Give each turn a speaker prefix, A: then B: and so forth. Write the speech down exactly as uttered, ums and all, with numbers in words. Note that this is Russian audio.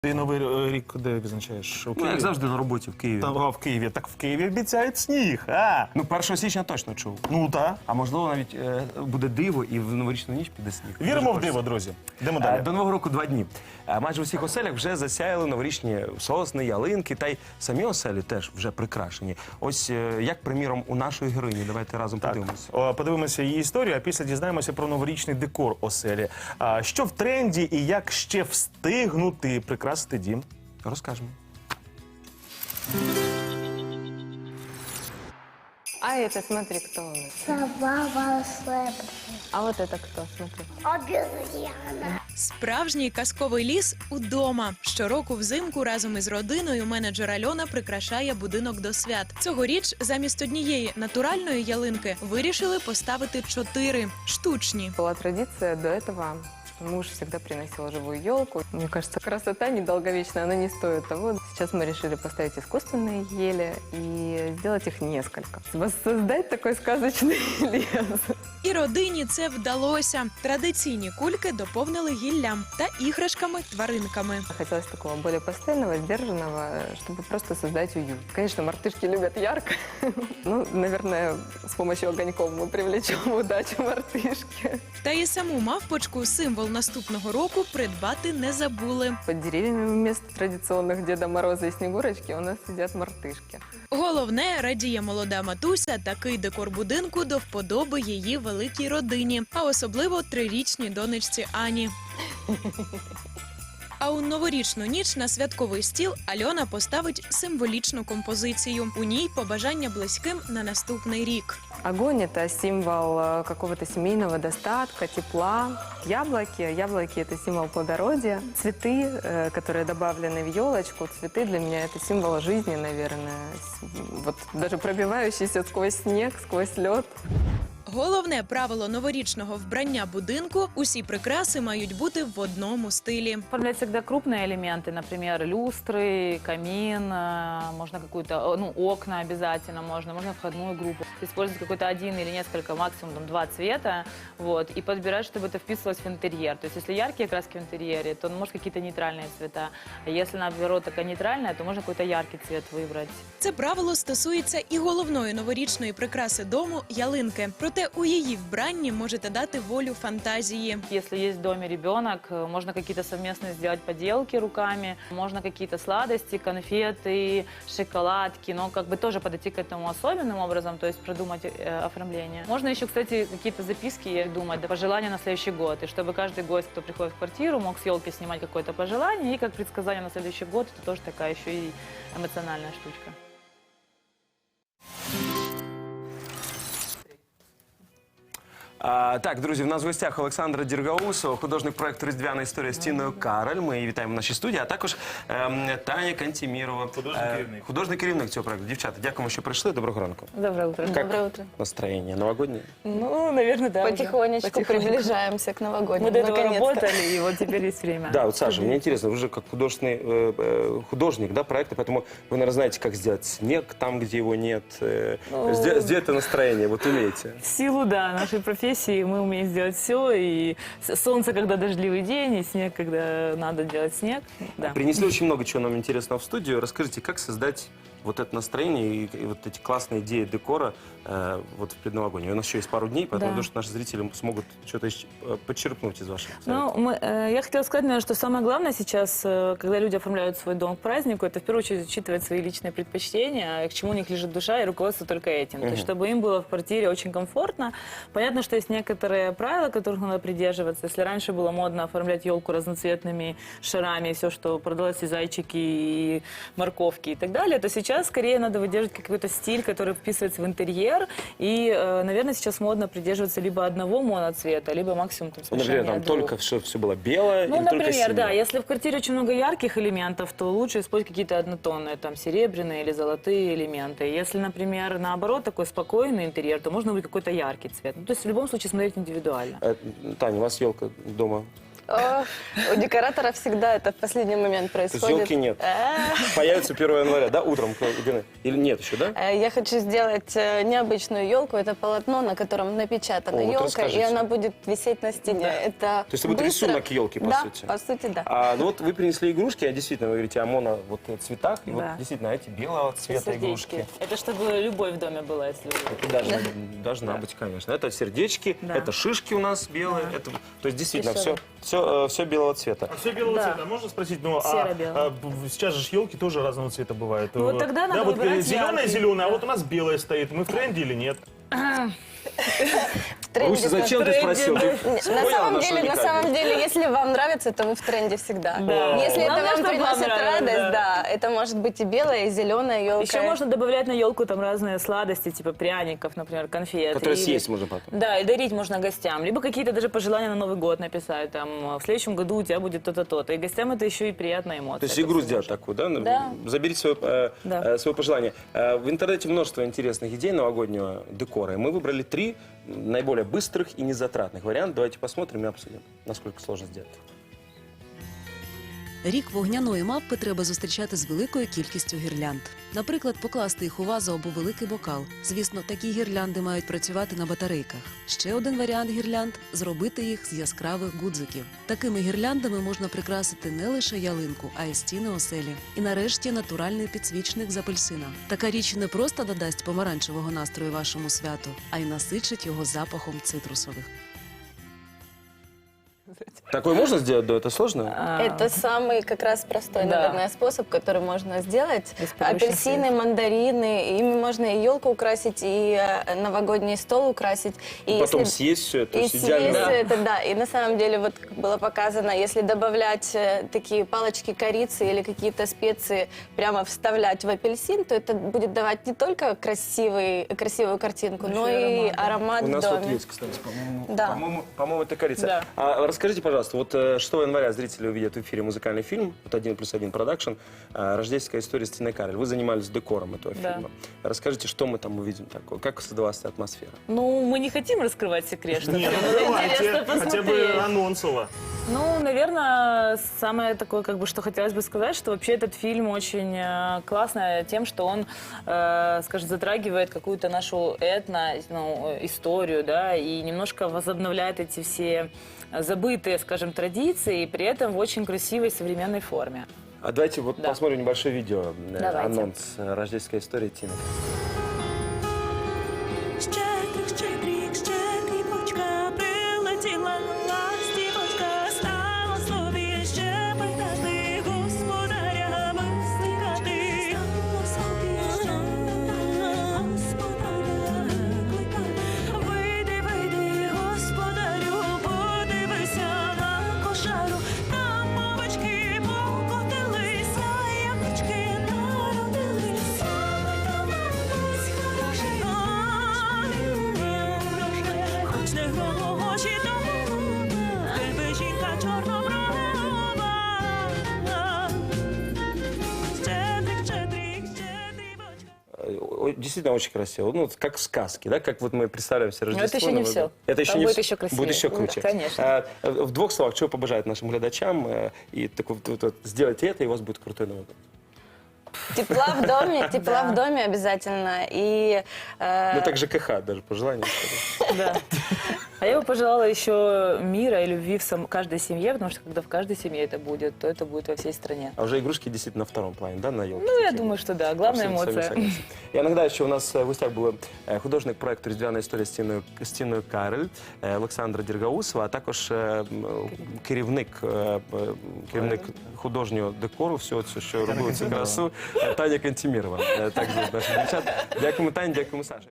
A: Ти новий рік де відзначаєш? У
B: Ну,
A: Києві?
B: як завжди на роботі в Києві.
A: Там, а, в Києві. Так в Києві обіцяють сніг, а?
B: Ну, першого січня точно чув.
A: Ну, так.
B: А можливо, навіть е, буде диво і в новорічну ніч піде сніг.
A: Віримо
B: Дуже
A: в диво,
B: хочеться.
A: друзі. Йдемо
B: Е,
A: далі.
B: До Нового року два дні. Е, Майже у всіх оселях вже засяяли новорічні сосни, ялинки, та й самі оселі теж вже прикрашені. Ось е, як, приміром, у нашої героїні. Давайте разом
A: Так,
B: подивимося.
A: О, подивимося її історію, а після дізнаємося про новорічний декор оселі. А, що в тренді і як ще встигнути прикрасити дім?
B: Розкажемо.
C: А это, смотри, кто у нас.
D: Сова волшебная.
C: А вот это кто, смотри.
D: Обезьяна.
E: Справжній казковий ліс удома. Щороку взимку разом із родиною менеджер Альона прикрашає будинок до свят. Цьогоріч замість однієї натуральної ялинки вирішили поставити чотири штучні.
C: Была традиция до этого, что муж всегда приносил живую елку. Мне кажется, красота недолговечная, она не стоит того. Сейчас мы решили поставить искусственные ели и сделать их несколько. Воссоздать такой сказочный лес.
E: І родині це вдалося. Традиційні кульки доповнили гіллям та іграшками-тваринками.
C: Хотелось такого более постоянного, сдержанного, чтобы просто создать уют. Конечно, мартышки любят ярко. Ну, наверное, с помощью огоньков мы привлечем удачу мартышки.
E: Та і саму мавпочку, символ наступного року, придбати не забули.
C: Под деревьями вместо традиционных Деда Мороза и Снегурочки у нас сидят мартышки.
E: Головне, радіє молода матуся, такий декор будинку до вподоби її великій родині, а особливо трирічній донечці Ані. А у новорічну ніч на святковий стіл Альона поставить символічну композицію. У ній побажання близьким на наступний рік.
C: Огонь – это символ э, какого-то семейного достатка, тепла. Яблоки – яблоки – это символ плодородия. Цветы, э, которые добавлены в елочку, цветы для меня – это символ жизни, наверное. С- Вот даже пробивающийся сквозь снег, сквозь лед.
E: Головне правило новорічного вбрання будинку – усі прикраси мають бути в одному стилі.
F: Оформлять всегда крупные элементы, например, люстры, камин, э, можно какую-то, э, ну, окна обязательно можно, можно входную группу. Использовать какой-то один или несколько, максимум там, два цвета, вот, и подбирать, чтобы это вписывалось в интерьер. То есть, если яркие краски в интерьере, то, ну, может, какие-то нейтральные цвета. А если, наоборот, такая нейтральная, то можно какой-то яркий цвет выбрать.
E: Це правило стосується і головної новорічної прикраси дому – ялинки. Проте у її вбранні можете дати волю фантазії.
F: Если есть в доме ребенок, э, можно какие-то совместные сделать поделки руками, можно какие-то сладости, конфеты, шоколадки, но как бы тоже подойти к этому особенным образом, то есть продумать э, оформление. Можно еще, кстати, какие-то записки думать, да, пожелания на следующий год, и чтобы каждый гость, кто приходит в квартиру, мог с елки снимать какое-то пожелание, и как предсказание на следующий год, это тоже такая еще и эмоциональная штучка.
B: А, так, друзі, в нас в гостях Олександра Діргаусова, художник проєкту «Різдвяна історія» з Тіною Кароль. Ми її вітаємо в нашій студії, а також ем, Таня Кантімірова.
A: Художній
B: е,
A: керівник.
B: Художній керівник цього проєкту. Дівчата, дякуємо, що прийшли. Доброго ранку.
C: Доброе утро.
B: Как
G: Доброе утро.
B: настроєння? Новогоднє?
F: Ну, наверное, да.
G: Потихонечку приближаемся к новогоднему.
F: Мы до этого
G: наконец-то.
F: работали, и вот теперь есть время.
B: Да, вот, Саша, мне интересно, вы же как художественный э, э, художник, да, проекта, поэтому вы, наверное, знаете, как сделать снег там, где его нет, э,
F: Ну,
B: сделать, сделать это настроение, вот умеете.
F: В силу, да, нашей профессии мы умеем сделать все. И с- солнце, когда дождливый день, и снег, когда надо делать снег. Да.
B: Принесли очень много чего нам интересного в студию. Расскажите, как создать вот это настроение и, и вот эти классные идеи декора э, вот в предновогоднее. У нас еще есть пару дней, поэтому
F: Да.
B: думаю, что наши зрители смогут что-то ищ- э, подчерпнуть из ваших
F: Ну,
B: советов.
F: мы, э, я хотела сказать, наверное, что самое главное сейчас, э, когда люди оформляют свой дом к празднику, это в первую очередь учитывать свои личные предпочтения, к чему у них лежит душа, и руководство только этим. То есть, чтобы им было в квартире очень комфортно. Понятно, что есть некоторые правила, которых надо придерживаться. Если раньше было модно оформлять елку разноцветными шарами, все, что продалось, и зайчики, и морковки и так далее, то сейчас скорее надо выдерживать какой-то стиль, который вписывается в интерьер. И, э, наверное, сейчас модно придерживаться либо одного моноцвета, либо максимум там,
B: Ну, например, там
F: смешения двух.
B: только все, все было белое
F: Ну,
B: или только
F: например,
B: синее?
F: да, если в квартире очень много ярких элементов, то лучше использовать какие-то однотонные, там, серебряные или золотые элементы. Если, например, наоборот, такой спокойный интерьер, то можно выбрать какой-то яркий цвет. Ну, то есть в любом случае смотреть индивидуально.
B: Э, Таня, у вас елка дома?
G: О, у декоратора всегда это в последний момент
B: То есть
G: происходит.
B: елки нет.
G: Э,
B: Появится первого января, да, утром? Или нет еще, да?
G: э, Я хочу сделать э, необычную елку. Это полотно, на котором напечатана
B: О, вот
G: елка, и
B: расскажите.
G: она будет висеть на стене. Это
B: То есть это будет
G: быстро.
B: рисунок елки, по
G: да,
B: сути?
G: по сути, да.
B: А, ну вот вы принесли игрушки, а действительно, вы говорите о моно вот э, цветах, и вот
F: Да.
B: действительно эти белого цвета игрушки.
F: Это чтобы любовь в доме была, если вы...
B: Это должна, должна быть, конечно. Это сердечки,
F: Да.
B: это шишки у нас белые. Это, то есть действительно все,
G: Веселые.
B: все, все белого цвета.
A: А все белого
F: Да.
A: цвета. Можно спросить, ну, а,
F: Серо-белый.
A: а, б- сейчас же елки тоже разного цвета бывают.
F: Ну, вот тогда надо
A: да, вот
F: выбирать
A: зеленая,
F: яркий.
A: зеленая, а вот у нас белая стоит. Мы в тренде или нет?
G: В тренде
B: Руся, зачем ты
F: тренде,
B: спросил? Ты
G: На
B: поняла
G: самом,
B: нашу
G: деле, на
B: уникальность?
G: самом деле, если вам нравится, то вы в тренде всегда.
F: Да.
G: Если
F: Главное,
G: это вам
F: чтобы вам
G: приносит
F: нравилось,
G: радость,
F: да.
G: да. это может быть и белая, и зеленая елка.
F: Еще можно добавлять на елку там разные сладости, типа пряников, например, конфет.
B: Которые
F: Или-
B: съесть можно потом.
F: Да, и дарить можно гостям. Либо какие-то даже пожелания на Новый год написать. Там, в следующем году у тебя будет то-то, то-то. И гостям это еще и приятная эмоция.
B: То есть
F: это
B: игру
F: всё
B: сделать
F: можно.
B: такую, да?
F: Да.
B: Заберите свое, э,
F: Да.
B: э, свое пожелание. Э, в интернете множество интересных идей новогоднего декора. И мы выбрали три наиболее быстрых и незатратных варианта. Давайте посмотрим и обсудим, насколько сложно сделать.
H: Рік вогняної мавпи треба зустрічати з великою кількістю гірлянд. Наприклад, покласти їх у вазу або великий бокал. Звісно, такі гірлянди мають працювати на батарейках. Ще один варіант гірлянд – зробити їх з яскравих гудзиків. Такими гірляндами можна прикрасити не лише ялинку, а й стіни оселі. І нарешті натуральний підсвічник з апельсина. Така річ не просто додасть помаранчевого настрою вашому святу, а й насичить його запахом цитрусових.
B: Такое можно сделать? Да, это сложно?
G: Это самый как раз простой,
F: Да.
G: наверное, способ, который можно сделать.
F: Беспорочный
G: Апельсины,
F: свет.
G: мандарины, ими можно и елку украсить, и э, новогодний стол украсить. И
B: Потом
G: если-
B: съесть все это.
G: И
B: есть идеально.
G: съесть
F: Да.
G: это, да. И на самом деле, вот как было показано, если добавлять э, такие палочки корицы или какие-то специи, прямо вставлять в апельсин, то это будет давать не только красивый, красивую картинку, но
F: Еще и
G: и
F: аромат, да.
G: аромат
B: У
G: в
B: нас
G: доме.
B: вот есть, кстати, по-моему,
G: Да.
B: по-моему, по-моему, это корица.
F: Да.
B: А расскажите, пожалуйста, вот э, шестого января зрители увидят в эфире музыкальный фильм, вот «Один плюс один продакшн», э, «Рождественская история» с Тиной Кароль. Вы занимались декором этого
F: Да.
B: фильма. Расскажите, что мы там увидим такое, как создавалась эта атмосфера?
F: Ну, мы не хотим раскрывать секрет. что
A: Нет,
F: всем
A: ну
F: было
A: давайте,
F: интересно
A: хотя бы
F: посмотреть.
A: анонсово.
F: Ну, наверное, самое такое, как бы, что хотелось бы сказать, что вообще этот фильм очень э, классно тем, что он, э, скажем, затрагивает какую-то нашу этно, ну, э, историю, да, и немножко возобновляет эти все забытые, скажем, традиции, и при этом в очень красивой современной форме.
B: А давайте вот
F: Да.
B: посмотрим небольшое видео, э,
F: Давайте.
B: анонс э, «Рождественской истории» Тины.
I: Щедрик, щедрик, щедрівочка, прилетіла ластівочка, стала собі щебетати, господарями стикати. Стала собі господарями кликати. Вийди, вийди, господарю, подивися на кошару, там мовочки покотилися, яблучки народилися. Хоч не гроші дома, тебе жінка чорноброва. Щедрик, щедрик, щедрівочка.
B: Э, о- Действительно очень красиво. Ну, вот как в сказке, да? Как вот мы представляем себе
G: Но это
B: Рождество.
G: еще не
B: Новый
G: всё.
B: год. Это еще
G: Там
B: не
G: будет
B: всё.
G: еще красивее.
B: Будет еще
G: Да,
B: круче.
F: конечно.
B: А, э, в двух словах, что побажать нашим глядачам? э, И так вот, вот- вот сделайте это, и у вас будет крутой Новый год.
G: Тепла в доме, тепла в доме обязательно. И э,
B: Ну, так ЖКХ даже пожелание.
F: Да. А я бы пожелала еще мира и любви в сам- каждой семье, потому что когда в каждой семье это будет, то это будет во всей стране.
B: А уже игрушки действительно на втором плане, да, на елке?
F: Ну, я думаю, что да. Главная эмоция.
B: И иногда еще у нас в гостях был е, художник проекту «Різдвяна історія» з Тіною, з Тіною Кароль, е, Олександра Діргаусова, а також е, м, керівник, е, е, керівник художнього декору, всього цього, що робили цю красу, е, Таня Кантімірова. Е, Так звуть наших дівчат. Дякуємо, Таня, дякуємо, Саша.